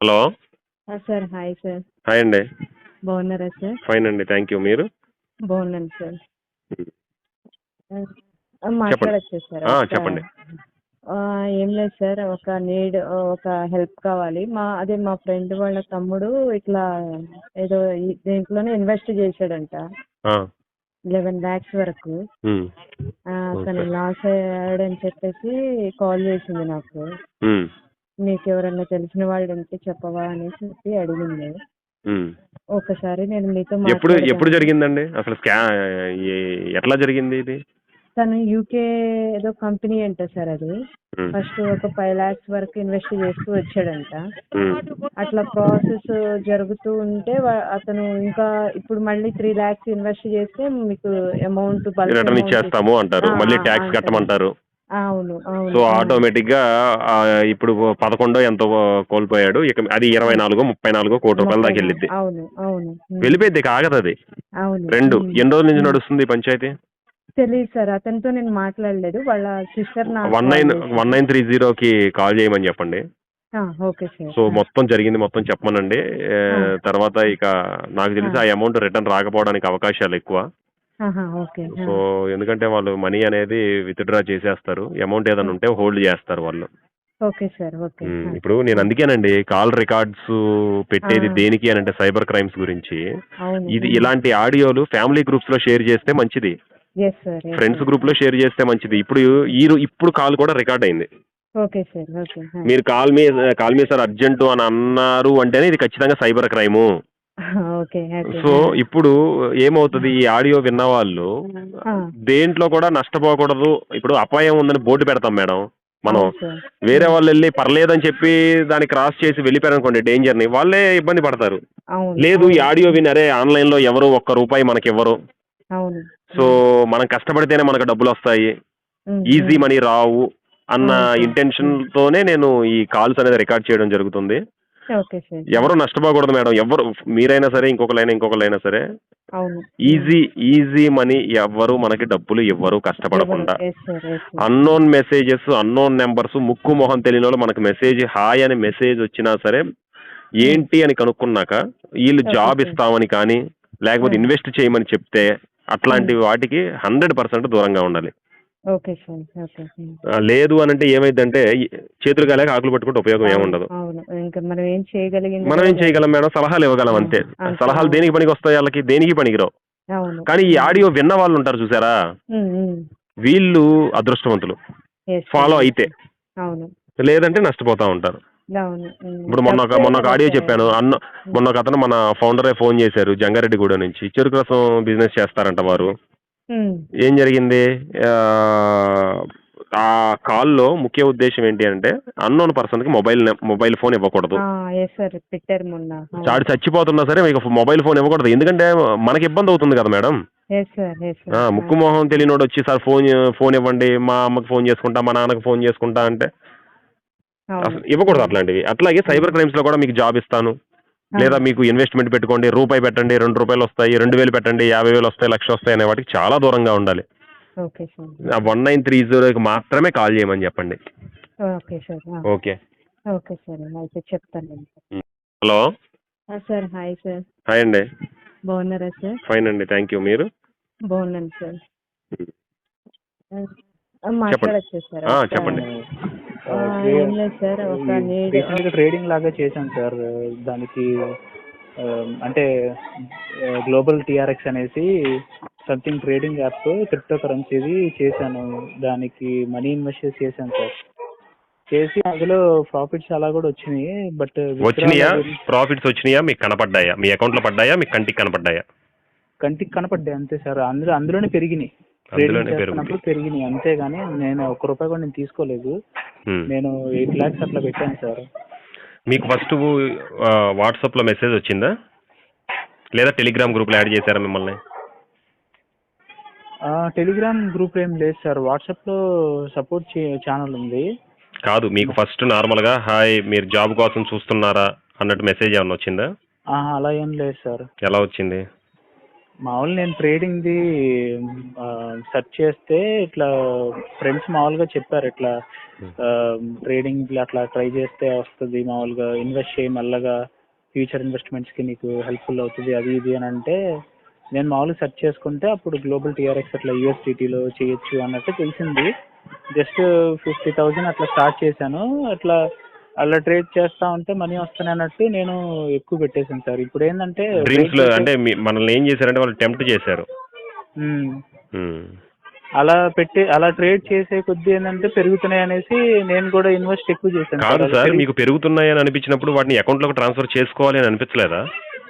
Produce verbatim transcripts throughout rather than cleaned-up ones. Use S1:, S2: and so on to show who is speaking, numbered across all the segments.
S1: Hello.
S2: ఆ! Sir hi sir.
S1: Hi అండి.
S2: బాగున్నారా సార్?
S1: ఫైన్ అండి. Thank you. మీరు?
S2: బాగున్నాను సార్.
S1: హ్మ్.
S2: ఆహ్, ఆ!
S1: చెప్పండి.
S2: మాట్లాడొచ్చా సార్?
S1: ఆ!
S2: ఒక
S1: చెప్పండి.
S2: ఆహ్, ఏం లేదు సార్. ఒక నీడ్ ఒక హెల్ప్ కావాలి. మా అదే మా ఫ్రెండ్ వాళ్ళ తమ్ముడు ఇట్లా ఏదో ఈ దేంట్లోనో ఇన్వెస్ట్ చేశాడంట.
S1: ఆ!
S2: పదకొండు లక్షల వరకు.
S1: హ్మ్.
S2: ఆహ్, తను
S1: ఓకే.
S2: లాస్ అయ్యాడని చెప్పేసి కాల్ చేసింది నాకు.
S1: హ్మ్.
S2: నీకెవరన్నా తెలిసిన వాళ్ళుంటే చెప్పవా అని చెప్పి అడిగింది.
S1: హ్మ్.
S2: ఒకసారి నేను మీతో
S1: ఎప్పుడు ఎప్పుడు
S2: మాట్లాడదామని.
S1: జరిగిందండి? అసలు స్కా ఎ ఎట్లా జరిగింది ఇది?
S2: తను యూకే ఏదో కంపెనీ అంట సార్ అది.
S1: హ్మ్.
S2: ఫస్ట్ ఒక ఐదు లక్షల వరకు ఇన్వెస్ట్ చేస్తూ వచ్చాడంట.
S1: హ్మ్.
S2: అట్లా ప్రాసెస్ జరుగుతూ ఉంటే వ అతను ఇంకా ఇప్పుడు మళ్ళీ మూడు లక్షలు ఇన్వెస్ట్ చేస్తే మీకు అమౌంట్ బల్క్
S1: రిటర్న్
S2: అమౌంట్ ఇస్
S1: ఇచ్చేస్తాము అంటారు.
S2: ఆ!
S1: మళ్ళీ
S2: ఆ!
S1: టాక్స్
S2: అంటారంట.
S1: కట్టమంటారు.
S2: అవును.
S1: సో,
S2: అవును. ఆ!
S1: ఆటోమేటిక్‌గా ఆహ్, ఇప్పుడు పదకొండు ఎంతో కోల్పోయాడు. ఇక అది
S2: ఆ!
S1: ఇరవై నాలుగు, ముప్పై నాలుగు కోటి రూపాయల
S2: ముప్పై
S1: దాకా
S2: నాలుగు
S1: ఎళ్ళిద్ది.
S2: అవును. అవును. హ్మ్.
S1: వెళ్ళిపోయిద్ది. ఇక ఆగదది.
S2: అవును.
S1: రెండు
S2: హ్మ్.
S1: ఎన్ని రోజుల నుంచి
S2: హ్మ్.
S1: నడుస్తుంది ఈ పంచాయతీ?
S2: తెలీదు సార్. అతనితో నేను మాట్లాడలేదు. వాళ్ళ సిస్టర్ నాకు కాల్
S1: పదకొండు
S2: చేసింది.
S1: 1930కి కాల్ చేయమని చెప్పండి.
S2: ఆ! Okay sir.
S1: సో,
S2: ఆ!
S1: మొత్తం జరిగింది మొత్తం చెప్పమనండి.
S2: ఆ!
S1: ఆహ్, తర్వాత ఇక నాకు
S2: ఆ!
S1: తెలిసి ఆ అమౌంట్ రిటర్న్ రాకపోవడానికి అవకాశాలెక్కువ.
S2: ఆహా! ఓకే. ఆ!
S1: సో, ఎందుకంటే వాళ్ళు మనీ అనేది విత్‌డ్రా చేసేస్తారు. అమౌంట్
S2: ఆ!
S1: ఏదైనా ఉంటే హోల్డ్ చేస్తారు వాళ్ళు.
S2: Okay sir. ఓకే.
S1: హ్మ్.
S2: ఆ!
S1: ఇప్పుడు నేను
S2: ఆ!
S1: అందుకేనండి కాల్ రికార్డ్స్
S2: ఆ!
S1: పెట్టేది దేనికి అనంటే సైబర్ క్రైమ్స్ గురించి.
S2: అవును.
S1: ఇది
S2: హ్మ్.
S1: ఇలాంటి ఆడియోలు ఫ్యామిలీ గ్రూప్స్‌లో షేర్ చేస్తే మంచిది.
S2: Yes sir. Yes
S1: friends
S2: sir.
S1: గ్రూప్‌లో షేర్ చేస్తే మంచిది. ఇప్పుడు ఈ రో ఇప్పుడు కాల్ కూడా రికార్డ్ అయింది.
S2: Okay sir. ఓకే. ఆ!
S1: మీరు కాల్ మీ కాల్ మీ సార్ అర్జెంటు అని అన్నారు అంటేనే ఇది ఖచ్చితంగా cyber crime.
S2: Okay. Okay.
S1: So,
S2: ఆ!
S1: ఇప్పుడు ఏమవుతది ఈ ఆడియో విన్నవాళ్ళు
S2: ఆ!
S1: దేంట్లో కూడా నష్టపోకూడదు. ఇప్పుడు అపాయం ఉందని బోర్డ్ పెడతాం మేడం. మనం
S2: అవును సార్.
S1: వేరే
S2: హ్మ్.
S1: వాళ్ళెళ్లి పర్లేదని చెప్పి దాన్ని క్రాస్ చేసి వెళ్ళిపోయారనుకోండి డేంజర్‌ని వాళ్ళే ఇబ్బంది పడతారు.
S2: అవును.
S1: లేదు ఈ
S2: అవును.
S1: ఆడియో విని అరే ఆన్‌లైన్‌లో ఎవరు ఒక్క రూపాయి మనకివ్వరు.
S2: అవును.
S1: సో,
S2: హ్మ్.
S1: మనం కష్టపడితేనే మనకు డబ్బులొస్తాయి.
S2: హ్మ్.
S1: ఈజీ
S2: హ్మ్.
S1: మనీ రావు అన్న
S2: అవును సార్. హ్మ్.
S1: ఇంటెన్షన్‌తోనే నేను ఈ కాల్స్ అనేది రికార్డ్ చేయడం జరుగుతుంది.
S2: Okay sir. ఆ!
S1: ఎవరు నష్టపోకూడదు మేడం. ఎవ్వరు మీరైనా సరే, ఇంకొకళ్ళైనా, ఇంకొకళ్ళైనా సరే.
S2: అవును. హ్మ్.
S1: ఈజీ, ఈజీ మనీ ఎవ్వరు మనకి డబ్బులు ఇవ్వరు
S2: ఇవ్వరు.
S1: కష్టపడకుండా.
S2: Yes sir. Yes sir. Hmm.
S1: Unknown messages, unknown numbers ముక్కు, మొహం తెలియనోళ్ళు మనకు మెసేజ్ హాయ్ అని మెసేజ్ వచ్చినా సరే,
S2: హ్మ్.
S1: ఏంటి అని కనుక్కున్నాక, ఈళ్ళు
S2: ఓకే
S1: జాబ్
S2: సార్.
S1: ఇస్తామని కానీ,
S2: ఆ!
S1: లేకపోతే ఇన్వెస్ట్ చేయమని చెప్తే,
S2: హ్మ్.
S1: అట్లాంటి వాటికి వంద శాతం దూరంగా ఉండాలి.
S2: Okay sir. ఓకే. హ్మ్.
S1: ఆహ్, లేదు అనంటే ఏమైద్దంటే, చేతులు కాలాక ఆకులు పట్టుకుంటే ఉపయోగం
S2: అవును.
S1: ఏముండదు.
S2: అవును. ఇంక మనం ఏం చేయగలిగింది
S1: మనం
S2: కూడా
S1: ఏం
S2: లేదు.
S1: చేయగలం మేడం? సలహాలు ఇవ్వగలం
S2: ఆ!
S1: అంతే.
S2: అంతే.
S1: సలహాలు
S2: అవును.
S1: దేనికి పనికొస్తాయి ఆళ్ళకి? దేనికి పనికిరావు.
S2: అవును.
S1: కానీ ఈ
S2: హ్మ్.
S1: ఆడియో విన్న వాళ్ళుంటారు చూసారా?
S2: హ్మ్. హ్మ్.
S1: వీళ్ళు అదృష్టవంతులు.
S2: Yes sir.
S1: ఫాలో
S2: యెస్
S1: అయితే.
S2: సార్. అవును.
S1: లేదంటే నష్టపోతా ఉంటారు.
S2: అవును. హ్మ్.
S1: ఇప్పుడు మొన్నొక
S2: డబ్బే
S1: మొన్నొక ఆడియో చెప్పాను.
S2: మనకి.
S1: అన్న
S2: హ్మ్.
S1: మొన్నొకతను మన ఫౌండరే ఫోన్ చేశారు జంగారెడ్డిగూడెం నుంచి. చెరుకు రసం బిజినెస్ చేస్తారంట వారు.
S2: హ్మ్.
S1: ఏం జరిగింది? ఆహ్, ఆ కాల్‌లో ముఖ్య ఉద్దేశ్యం ఏంటి అంటే, అన్‌నోన్ పర్సన్‌కి మొబైల్ నం మొబైల్ ఫోన్ ఇవ్వకూడదు.
S2: ఆ! Yes sir. పెట్టారు మొన్న. అవును.
S1: ఆడు చచ్చిపోతున్నా సరే మీకు మొబైల్ ఫోన్ ఇవ్వకూడదు. ఎందుకంటే మనకి ఇబ్బందవుతుంది కదా మేడం!
S2: Yes sir. యెస్
S1: ఆ!
S2: సార్. ఆ!
S1: ముక్కు, మొహం తెలియనోడొచ్చి సార్ ఫోన్ ఫోన్ ఇవ్వండి. మా అమ్మకి ఫోన్ చేసుకుంటా, మా నాన్నకి ఫోన్ చేసుకుంటా అంటే
S2: అవును.
S1: అసలు ఇవ్వకూడదు
S2: హ్మ్.
S1: అట్లాంటివి. అట్లాగే సైబర్
S2: హ్మ్.
S1: క్రైమ్స్‌లో కూడా మీకు జాబ్ ఇస్తాను.
S2: ఆ!
S1: లేదా మీకు ఇన్వెస్ట్‌మెంట్ పెట్టుకోండి. రూపాయి పెట్టండి, రూ. రెండు వస్తాయి, రెండు వేలు పెట్టండి, యాభై వేలు వస్తాయి, లక్ష వస్తాయి అనే వాటికి చాలా దూరంగా ఉండాలి.
S2: Okay sir.
S1: ఆ
S2: ఓకే.
S1: పంతొమ్మిది ముప్పైకి మాత్రమే కాల్ చేయమని చెప్పండి.
S2: Okay sir. ఆ!
S1: ఓకే.
S2: Okay sir. అయితే చెప్తానండి.
S1: హ్మ్. హలో.
S2: ఆ! Sir hi sir.
S1: హాయ్ అండి.
S2: బాగున్నారా సార్?
S1: ఫైన్ అండి. Thank you. మీరు?
S2: బాగున్నాను సార్.
S1: హ్మ్.
S2: హ్మ్. ఆ!
S1: చెప్పండి.
S2: మాట్లాడొచ్చా సార్?
S1: ఆ!
S2: ఒక
S1: చెప్పండి.
S3: ఆహ్,
S2: ఆహ్,
S3: ట్రే
S2: ఏం లేదు సార్. ఒక
S3: ఈ
S2: నీడ్
S3: రీసెంట్‌గా ట్రేడింగ్ లాగా చేశాను సార్. దానికి ఆహ్, అంటే ఆహ్, గ్లోబల్ టీఆర్ఎక్స్ అనేసి సంథింగ్ ట్రేడింగ్ యాప్ క్రిప్టో కరెన్సీది చేశాను. దానికి మనీ ఇన్వెస్ట్ చేసి చేశాను సార్. చేసి అందులో ప్రాఫిట్స్ అలా కూడా వచ్చినాయి. బట్ విత్‌డ్రాల్
S1: వచ్చినియా?
S3: అవి
S1: ప్రాఫిట్స్ వచ్చినియా? మీకు కనపడ్డాయా? మీ అకౌంట్‌లో పడ్డాయా? మీ కంటికి కనపడ్డాయా?
S3: కంటికి కనపడ్డాయి అంతే సార్. అందులో అందులోనే పెరిగినాయి. ట్రేడింగ్
S1: అందులోనే
S3: చేస్తున్నప్పుడు
S1: పెరుగుతాయి.
S3: పెరిగినాయి. అంతేగాని నేను ఒక్క రూపాయి కూడా నేను తీసుకోలేదు.
S1: హ్మ్.
S3: నేను ఎనిమిది లక్షలు అట్లా పెట్టాను సార్.
S1: మీకు ఫస్టు ఆహ్, వాట్సాప్‌లో మెసేజ్ వచ్చిందా? లేదా టెలిగ్రామ్ గ్రూప్‌లో యాడ్ చేసారా మిమ్మల్ని?
S3: ఆ! టెలిగ్రామ్ గ్రూప్ ఏం లేదు సార్. వాట్సాప్‌లో సపోర్ట్ చే ఛానల్ ఉంది.
S1: కాదు. మీకు ఫస్ట్ నార్మల్‌గా హాయ్ మీరు జాబ్ కోసం చూస్తున్నారా? అన్నట్టు మెసేజ్ ఏమన్నా వచ్చిందా?
S3: ఆహా! అలా ఏం లేదు సార్.
S1: ఎలా వచ్చింది?
S3: మామూలు నేను ట్రేడింగ్ది సెర్చ్ చేస్తే ఇట్లా ఫ్రెండ్స్ మామూలుగా చెప్పారు ఇట్లా ట్రేడింగ్ ఇట్లా అట్లా ట్రై చేస్తే వస్తుంది మామూలుగా ఇన్వెస్ట్ చేయి మెల్లగా ఫ్యూచర్ ఇన్వెస్ట్మెంట్స్కి నీకు హెల్ప్ఫుల్ అవుతుంది అది ఇది అని అంటే నేను మామూలుగా సెర్చ్ చేసుకుంటే అప్పుడు గ్లోబల్ టీఆర్ఎక్స్ అట్లా యూఎస్డిటీలో చేయొచ్చు అన్నట్టు తెలిసింది. జస్ట్ ఫిఫ్టీ థౌజండ్ అట్లా స్టార్ట్ చేశాను. అట్లా అలా ట్రేడ్ చేస్తా ఉంటే మనీ వస్తున్నాయి అన్నట్టు నేను ఎక్కువ పెట్టేశాను సార్. ఇప్పుడు ఏంటంటే
S1: డ్రీమ్స్ లో అంటే మీ- మనల్ని ఏం చేశారంటే వాళ్ళు టెంప్ట్ చేశారు.
S3: మ్మ్.
S1: ఉమ్.
S3: అలా పెట్టి అలా ట్రేడ్ చేసే కొద్దీ ఏంటంటే పెరుగుతున్నాయి అనేసి నేను కూడా ఇన్వెస్ట్ ఎక్కువ చేశాను
S1: కాదు
S3: అలా
S1: సార్,
S3: పెరిగి-
S1: మీకు పెరుగుతున్నాయని అనిపించినప్పుడు వాటిని అకౌంట్ లోకి ట్రాన్స్ఫర్ చేసుకోవాలి అని అనిపించలేదా?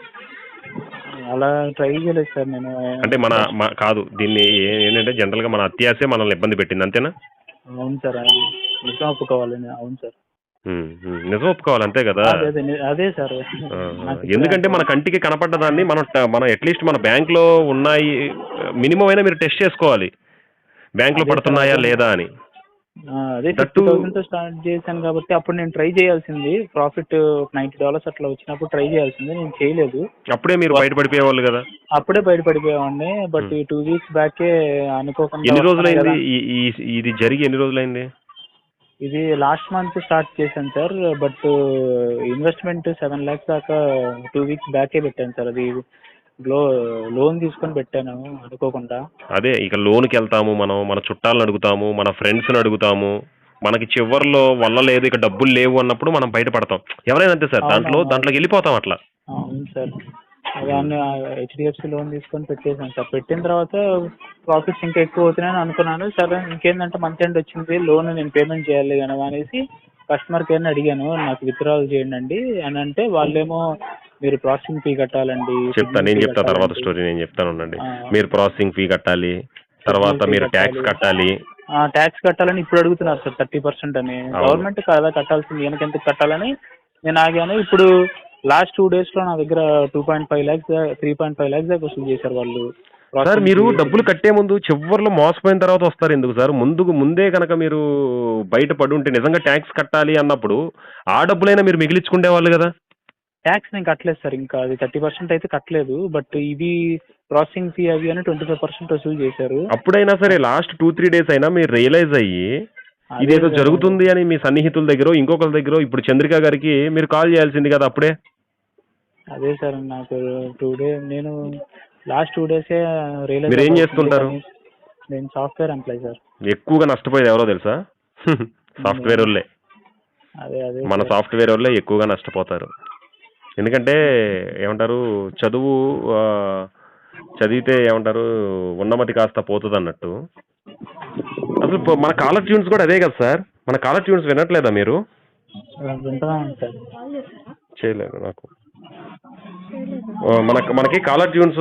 S3: అలా ట్రై చేయలేదు సార్ నేను.
S1: అంటే మన మ- కాదు దీన్ని ఏ- ఏంటంటే జనరల్ గా మన అత్యాసే మనల్ని ఇబ్బంది పెట్టింది, అంతేనా?
S3: అవును సార్, అది నిజం ఒప్పుకోవాలి. అవును సార్,
S1: ఉమ్, ఉమ్, నిజం ఒప్పుకోవాలి, అంతే కదా.
S3: అదే అదే ని- అదే సార్.
S1: ఆ,
S3: నాకు
S1: ఎందుకంటే మన కంటికి కనపడ్డదాన్ని మనం ట- మనం అట్లీస్ట్ మన బ్యాంక్ లో ఉన్నాయి మినిమం అయినా మీరు టెస్ట్ చేసుకోవాలి, బ్యాంక్ లో
S3: అదే సార్,
S1: పడుతున్నాయా
S3: అదే.
S1: లేదా అని.
S3: ఆ, అదే
S1: That
S3: ఫిఫ్టీ
S1: too-
S3: థౌసండ్ తో స్టార్ట్ చేశాను కాబట్టి అప్పుడు నేను ట్రై చేయాల్సింది. ప్రాఫిట్ నైన్టీ డాలర్స్ అట్లా వచ్చినప్పుడు ట్రై చేయాల్సింది, నేను చేయలేదు.
S1: అప్పుడే మీరు బయటపడిపోయేవాళ్ళు కదా.
S3: అప్పుడే బయటపడిపోయామండి. బట్ ఈ టూ వీక్స్ బ్యాకే అనుకోకుండా
S1: ఎన్ని
S3: వస్తున్నాయి
S1: రోజులైంది
S3: కదా.
S1: ఈ- ఈ- ఇది జరిగి ఎన్ని రోజులైంది?
S3: ఇది లాస్ట్ మంత్ స్టార్ట్ చేశాను sir. But investment seven lakhs దాకా టూ వీక్స్ బ్యాకే పెట్టాను సార్. అది లో లోన్ తీసుకొని పెట్టాను అనుకోకుండా.
S1: అదే ఇక లోన్కి వెళ్తాము మనం, మన చుట్టాలను అడుగుతాము, మన ఫ్రెండ్స్ని అడుగుతాము, మనకి చివర్లో వల్ల లేదు ఇక డబ్బులు లేవు అన్నప్పుడు మనం బయటపడతాం. ఎవరైనా అంతే సార్, దాంట్లో
S3: అవునవును.
S1: దాంట్లోకి వెళ్ళిపోతాం అట్లా.
S3: అవును సార్, దాన్ని హెచ్డిఎఫ్సి లోన్ తీసుకొని పెట్టేశాను సార్. పెట్టిన తర్వాత ప్రాఫిట్స్ ఇంకా ఎక్కువ అవుతున్నాయని అనుకున్నాను. సరే ఇంకేంటంటే మంత్ ఎండ్ వచ్చింది, లోన్ నేను పేమెంట్ చేయాలి కదా అనేసి కస్టమర్ కేర్ని అడిగాను, నాకు విత్డ్రాల్ చేయండి అండి అని అంటే వాళ్ళేమో మీరు ప్రాసెసింగ్ ఫీ కట్టాలండి.
S1: చెప్తాను, నేను చెప్తా తర్వాత స్టోరీ నేను చెప్తాను ఉండండి.
S3: ఆ.
S1: మీరు ప్రాసెసింగ్ ఫీ కట్టాలి, తర్వాత మీరు ట్యాక్స్ కట్టాలి.
S3: ట్యాక్స్ కట్టాలని ఇప్పుడు అడుగుతున్నారు సార్, థర్టీ పర్సెంట్ అని.
S1: అవును.
S3: గవర్నమెంట్ కదా కట్టాల్సింది, వెనక ఎంత కట్టాలని నేను ఆగాను. ఇప్పుడు లాస్ట్ టూ డేస్ లో నా దగ్గర two point five lakhs three point five lakhs దాకా వసూలు చేశారు వాళ్ళు.
S1: సార్ మీరు డబ్బులు కట్టే ముందు చివర్లో మోసపోయిన తర్వాత వస్తారు ఎందుకు సార్? ముందుకు ముందే కనుక మీరు బయట పడి ఉంటే నిజంగా ట్యాక్స్ కట్టాలి అన్నప్పుడు ఆ డబ్బులైనా మీరు మిగిలించుకునే వాళ్ళు కదా.
S3: ట్యాక్స్ నేను కట్టలేదు సార్, ఇంకా అది థర్టీ పర్సెంట్ అయితే కట్టలేదు. బట్ ఇవి ప్రాసెసింగ్ ఫీ అవి అని ట్వంటీ ఫైవ్ పర్సెంట్ వసూలు చేశారు.
S1: అప్పుడైనా సరే లాస్ట్ టూ త్రీ డేస్ అయినా మీరు రియలైజ్ అయ్యి ఇదేదో
S3: అదే
S1: జరుగుతుంది అని మీ సన్నిహితుల దగ్గర ఇంకొకరి దగ్గర ఇప్పుడు చంద్రిక గారికి మీరు కాల్ చేయాల్సింది కదా అప్పుడే.
S3: అదే సార్, నాకు టూ డే నేను లాస్ట్ టూ డేసే రియలైజ్.
S1: మీరు ఏం చేస్తుంటారు?
S3: నేను సాఫ్ట్వేర్ ఎంప్లాయ్ సార్.
S1: ఎక్కువగా నష్టపోయేది ఎవరో తెలుసా? సాఫ్ట్వేర్ వాళ్ళే.
S3: అదే అదే
S1: మన
S3: సార్.
S1: సాఫ్ట్వేర్ వాళ్ళే ఎక్కువగా నష్టపోతారు. ఎందుకంటే ఏమంటారు, చదువు ఆ, చదివితే ఏమంటారు ఉన్నమతి కాస్త పోతుంది అన్నట్టు. అసలు పో- మన కాలర్ ట్యూన్స్ కూడా అదే కదా సార్. మన కాలర్ ట్యూన్స్ వినట్లేదా మీరు?
S3: వింటున్నాను సార్.
S1: చేయలేదు నాకు. ఆ, మనకి మనకి కాలర్ ట్యూన్స్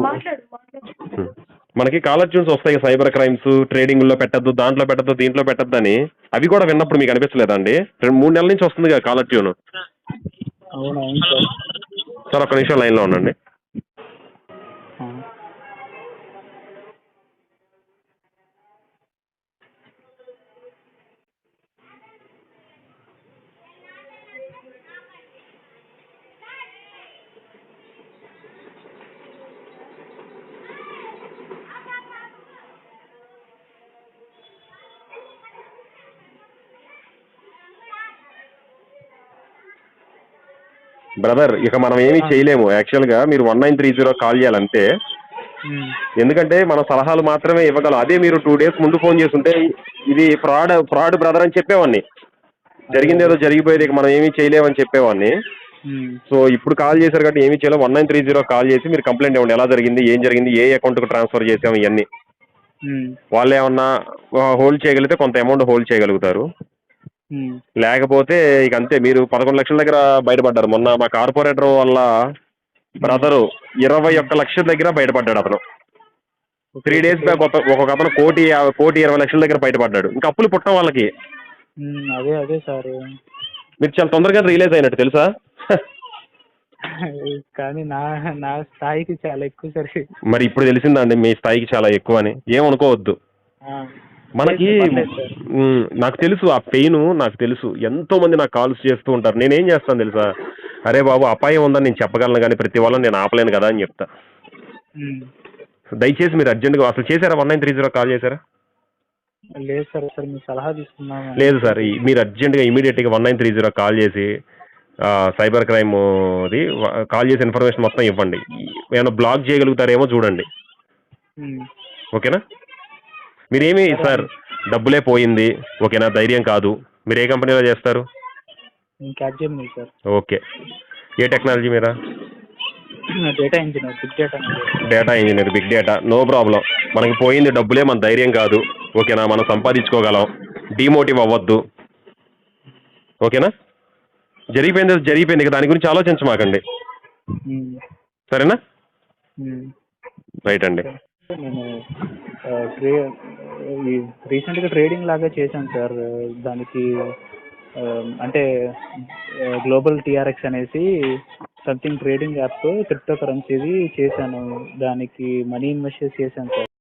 S1: మనకి కాలర్ ట్యూన్స్ వస్తాయి, సైబర్ క్రైమ్స్, ట్రేడింగ్ లో పెట్టద్దు, దాంట్లో పెట్టద్దు, దీంట్లో పెట్టద్దు అని. అవి కూడా విన్నప్పుడు మీకు అనిపించలేదా అండి? రెండు మూడు నెలల నుంచి వస్తుంది కదా కాలర్ ట్యూన్.
S3: అవును అవును సార్.
S1: సార్ ఒక్క నిమిషం లైన్లో ఉండండి.
S3: ఆ.
S1: బ్రదర్ ఇక మనం ఏమీ చేయలేము. యాక్చువల్గా మీరు one nine three zero call చేయాలంటే,
S3: ఉమ్.
S1: ఎందుకంటే మన సలహాలు మాత్రమే ఇవ్వగలం. అదే మీరు టూ డేస్ ముందు ఫోన్ చేస్తుంటే ఇది ఫ్రాడ్ ఫ్రాడ్ బ్రదర్ అని చెప్పేవాడిని. జరిగింది ఏదో జరిగిపోయేది, ఇక మనం ఏమీ చేయలేమని చెప్పేవాడిని.
S3: ఉమ్.
S1: సో ఇప్పుడు కాల్ చేశారు కాబట్టి ఏమీ చేయలేము. One nine three zero call చేసి మీరు కంప్లైంట్ ఇవ్వండి, ఎలా జరిగింది, ఏం జరిగింది, ఏ అకౌంట్కి ట్రాన్స్ఫర్ చేసాము, ఇవన్నీ.
S3: ఉమ్.
S1: వాళ్ళు ఏమన్నా హోల్డ్ చేయగలిగితే కొంత అమౌంట్ హోల్డ్ చేయగలుగుతారు.
S3: ఉమ్.
S1: లేకపోతే ఇక అంతే. మీరు పదకొండు లక్షల దగ్గర బయటపడ్డారు. మొన్న మా కార్పొరేటర్ వల్ల బ్రదరు ఇరవై ఒక్క లక్షల దగ్గర బయటపడ్డాడు అతను. త్రీ డేస్ బ్యాక్ ఒక ఒక్కొక్క అతను కోటి యా- కోటి ఇరవై లక్షల దగ్గర బయటపడ్డాడు. ఇంకా అప్పులు పుట్టడం వాళ్ళకి.
S3: ఉమ్. అదే అదే సార్.
S1: మీరు చాలా తొందరగా రియలైజ్ అయినట్టు తెలుసా?
S3: కానీ నా నా స్థాయికి చాలా ఎక్కువ సార్.
S1: మరి ఇప్పుడు తెలిసిందండి మీ స్థాయికి చాలా ఎక్కువ అని. ఏమనుకోవద్దు.
S3: ఆ.
S1: మనకి
S3: పర్లేదు సార్.
S1: ఉమ్, నాకు తెలుసు ఆ పెయిన్, నాకు తెలుసు. ఎంతో మంది నాకు కాల్స్ చేస్తూ ఉంటారు. నేనేం చేస్తాను తెలుసా? అరే బాబు అపాయం ఉందని నేను చెప్పగలను కానీ ప్రతి వాళ్ళని నేను ఆపలేను కదా అని చెప్తా.
S3: ఉమ్.
S1: దయచేసి మీరు అర్జెంట్గా అసలు చేశారా one nine three zero call చేశారా?
S3: లేదు సార్, సార్ మీ సలహా తీసుకున్నాము.
S1: లేదు సార్, ఈ- మీరు అర్జెంటుగా ఇమీడియట్గా one nine three zero call చేసి ఆ, సైబర్ క్రైమ్ది కాల్ చేసి ఇన్ఫర్మేషన్ మొత్తం ఇవ్వండి. ఏమైనా బ్లాక్ చేయగలుగుతారేమో చూడండి.
S3: ఉమ్.
S1: ఓకేనా? మీరేమి సార్ డబ్బులే పోయింది ఓకేనా, ధైర్యం కాదు. మీరు ఏ కంపెనీలో చేస్తారు?
S3: నేను క్యాచ్ చేయను సార్.
S1: ఓకే. ఏ టెక్నాలజీ మీరా?
S3: Data engineer, big data
S1: data engineer, big data. No problem. మనకి పోయింది డబ్బులే, మన ధైర్యం కాదు. ఓకేనా? మనం సంపాదించుకోగలం. డిమోటివ్ అవ్వద్దు. ఓకేనా? జరిగిపోయింది జరిగిపోయింది ఇక దాని గురించి ఆలోచించమాకండి. సరేనా? రైట్ అండి.
S3: నేను ఆ, ట్రే ఈ రీసెంట్గా ట్రేడింగ్ లాగా చేశాను సార్. దానికి ఆ, అంటే గ్లోబల్ టీఆర్ఎక్స్ అనేసి సంథింగ్ ట్రేడింగ్ యాప్ క్రిప్టో కరెన్సీది చేశాను. దానికి మనీ ఇన్వెస్ట్ చేశాను సార్.